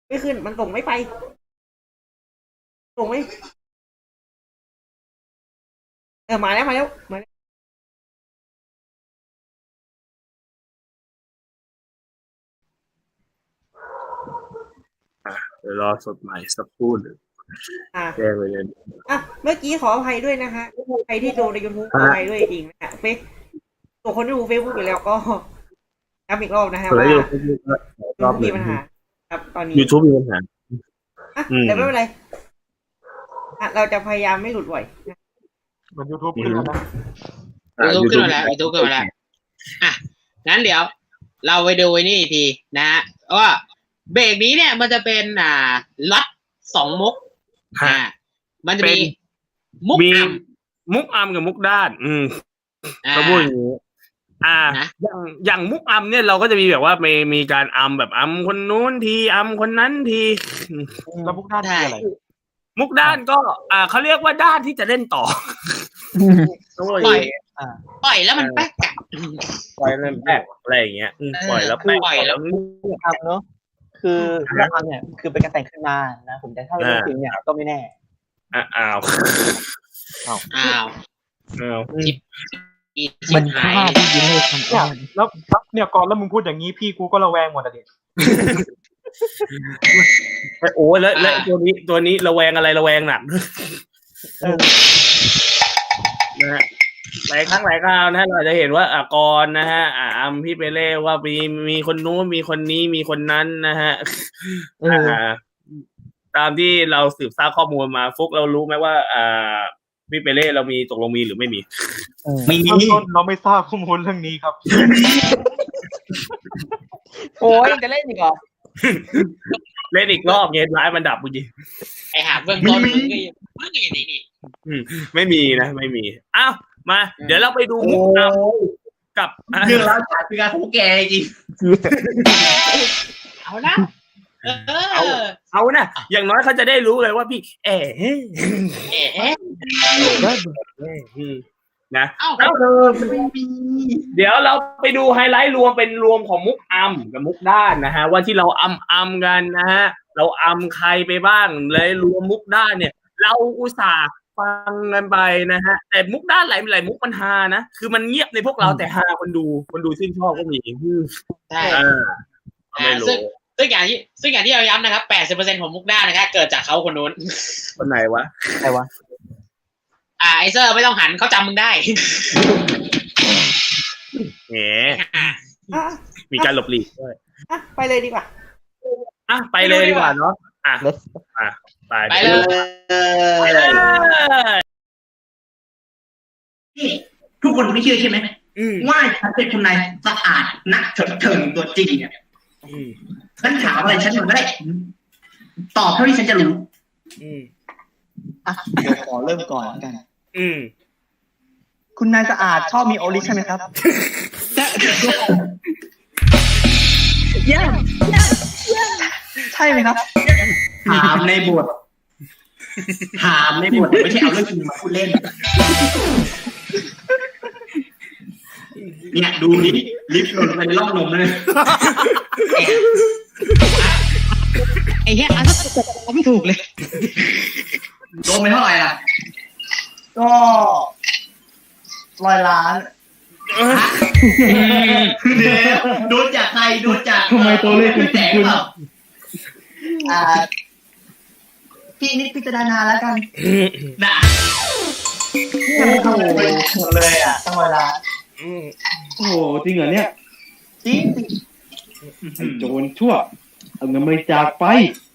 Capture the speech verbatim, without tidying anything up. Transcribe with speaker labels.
Speaker 1: ไม่ขึ้นมันส่งไม่ไปส่งไม่เออมาแล้วมาแล้วมาแล้ว
Speaker 2: เดี๋ยวรอสดใหม่สักครู่หนึ่ง
Speaker 1: อ่ะ
Speaker 2: แจ้งไปเลย
Speaker 1: อ่ะเมื่อกี้ขออภัยด้วยนะคะใครที่ดูในยูทูบขออภัยด้วยจริงนะเฟซตัวคนที่ดูเฟซบุ๊กอยู่แล้วก็ย้ำอีกรอบนะฮะ
Speaker 2: เปิด
Speaker 1: ว่า
Speaker 2: ให้
Speaker 1: ยู
Speaker 2: ดูรอบ
Speaker 1: ทูบ
Speaker 2: ห
Speaker 1: มี
Speaker 2: นึ่ง
Speaker 1: ปัญหาครับตอนนี้
Speaker 2: ยูทูบมีปัญหา
Speaker 1: อ่ะ
Speaker 2: อืม
Speaker 1: แต่ไม่เป็นไรอ่ะเราจะพยายามไม่หลุดบ่อยนะ
Speaker 3: มันยูทูบขึ้นแล้วนะ
Speaker 4: ยูทูบขึ้นมาแล้วยูทูบขึ้นมาแล้วอ่ะงั้นเดี๋ยว เราไปดูไอ้นี่อีกทีนะฮะว่าเบรกนี้เนี่ยมันจะเป็นอ่าล็อตสองมุกอ่ามันจะมีมุก
Speaker 2: มี
Speaker 4: อ่ำ
Speaker 2: มุกอัมกับมุกด้าน อืม
Speaker 4: อ่า
Speaker 2: ก็พูดอย่างนี้อ่า
Speaker 4: นะ
Speaker 2: อย่างอย่างมุกอัมเนี่ยเราก็จะมีแบบว่ามีมีการอัมแบบอัมคนนู้นทีอัมคนนั้นที
Speaker 3: แล้วมุกด้านคืออะไร
Speaker 2: มุกด้านก็ อ่าเขาเรียกว่าด้านที่จะเล่นต่อ
Speaker 4: ปล่อย
Speaker 3: อ่า
Speaker 4: ปล่อยแล้วมันแป๊กอะ
Speaker 2: ปล่อยเล่นแป๊กอะไรอย่างเงี้ยอืมปล่อยแล้วแป๊ก
Speaker 4: ปล่อยแล้ว
Speaker 5: ทำเนาะคือเรื่องทำเนี่ยคือเป็นการแต่งขึ้นมานะผมแต่ถ้าเป็นเรื่องจริงเนี่ยก็ไม่แน่
Speaker 2: อ่าอ้าว
Speaker 4: อ้าว
Speaker 2: อ้าว
Speaker 4: อี
Speaker 5: มัน
Speaker 4: หาย
Speaker 5: ฆ่าที่ยิงเลยทำ
Speaker 3: เนี่ยแล้วเนี่ยก่อนแล้วมึงพูดอย่างนี้พี่กูก็ระแวงหมดอ่ะดิ
Speaker 2: โอ้แล้วแล้วตัวนี้ตัวนี้ระแวงอะไรระแวงหนักนะฮะหลายครั้งหลายคราวนะเราจะเห็นว่าอ่ะกรนะฮะอ่าอัมพี่เปเล่ว่ามีมีคนนู้นมีคนนี้มีคนนั้นนะฮะอ่าตามที่เราสืบทราบข้อมูลมาฟุกเรารู้ไหมว่า อ่าพี่เปเล่เรามีตกลงมีหรือไม่มี
Speaker 5: ไม่มี
Speaker 3: เบื้องต้นเราไม่ทราบข้อมูลเรื่องนี้ครับ
Speaker 5: โอ้ยจะเล่นอีกเหรอ
Speaker 2: เล่นอีกรอบเงี้ยร้ายมันดับจริง
Speaker 4: ไอ้หาเบื้องต้นมึงก็ยังมึงก็ยังดีนี่
Speaker 2: ไม่มีนะไม่มีอ้าวมา เดี๋ยวเราไปดูมุกอัมกับ
Speaker 6: เรื่องราวจากเป็นการของแกจริง
Speaker 4: เอานะเออ
Speaker 2: เอานะอย่างน้อยเขาจะได้รู้เลยว่าพี่ เอ๋
Speaker 4: เอ๊ะ
Speaker 2: นะ
Speaker 4: เอ้า
Speaker 6: เออมันไม่มี
Speaker 2: เดี๋ยวเราไปดูไฮไลท์รวมเป็นรวมของมุกอัมกับมุกด้านนะฮะว่าที่เราอัมอัมกันนะฮะเราอัมใครไปบ้างเลยรวมมุกด้านเนี่ย เราอุตส่าห์ฟังกันไปนะฮะแต่มุกด้านหลายหลายมุกมันฮานะคือมันเงียบในพวกเราแต่ฮาคนดูคนดูชื่นชอบก็มี
Speaker 4: ใช่
Speaker 2: อ่าไม่รู้
Speaker 4: ซึ่งซึ่งอย่างที่ซึ่งอย่างที่เราย้ำนะครับ แปดสิบเปอร์เซ็นต์ของมุกด้านะครับเกิดจากเขาคนนู้น
Speaker 2: คนไหนวะ
Speaker 5: ใครวะ
Speaker 4: อ่าไอเซอร์ไม่ต้องหันเขาจำมึงได้
Speaker 2: แหม
Speaker 1: อ่ะ
Speaker 2: มีการหลบหลีกด้วย
Speaker 1: อ่ะไปเลยดีกว่า
Speaker 2: อ่ะไปเลยดีกว่าเนาะอ่ะ
Speaker 5: Let's
Speaker 2: อ่ะไป
Speaker 4: ไปเลย
Speaker 2: ไปเลย
Speaker 6: นี่ทุกคนไม่เชื่อใช่ไหม
Speaker 2: อืม
Speaker 6: ว่าฉันเป็นคนนายสะอาดนักเถิดเถิงตัวจริงเนี่ย
Speaker 2: อืม
Speaker 6: ฉันถามอะไรฉันมันไม่ได้ ตอบเท่าที่ฉันจะรู้
Speaker 2: อืม
Speaker 5: อ่ะเดี๋ยวขอเริ่มก่อนแล้วกัน
Speaker 2: อืม
Speaker 5: คุณนายสะอาดชอบมีโอลิใช่ไหมครับเยี่ยมใช่ไหมครับ
Speaker 6: ถามในบท ถามในบทไม่ใช่เอาเรื่องจริงมาพูดเล่น เนี่ยดูนี่ลิฟต์หล่นไปในร่องนมเลย
Speaker 4: ไอ้เหี้ยอันนั้นก็ไม่ถูกเลย
Speaker 6: โดนไปเท่าไหร่ล่ะ
Speaker 5: ก็ร้อยล้าน
Speaker 6: เดี๋ยวโดนจากใครโดนจาก
Speaker 5: ทำไมตัวเลขคุณ
Speaker 6: แตกเปล่า
Speaker 5: อ่าพี่นิดพิจารณาแล้วกัน
Speaker 6: ด่า
Speaker 5: เนี่ยมันทำอะไรหมดเลยอ่ะต้องร้อยล้าน
Speaker 2: อืม
Speaker 7: โอ้โหจริงเหรอเนี่ย
Speaker 5: จริง
Speaker 7: ไอ้โจรชั่วเอาเงินบริจาคไป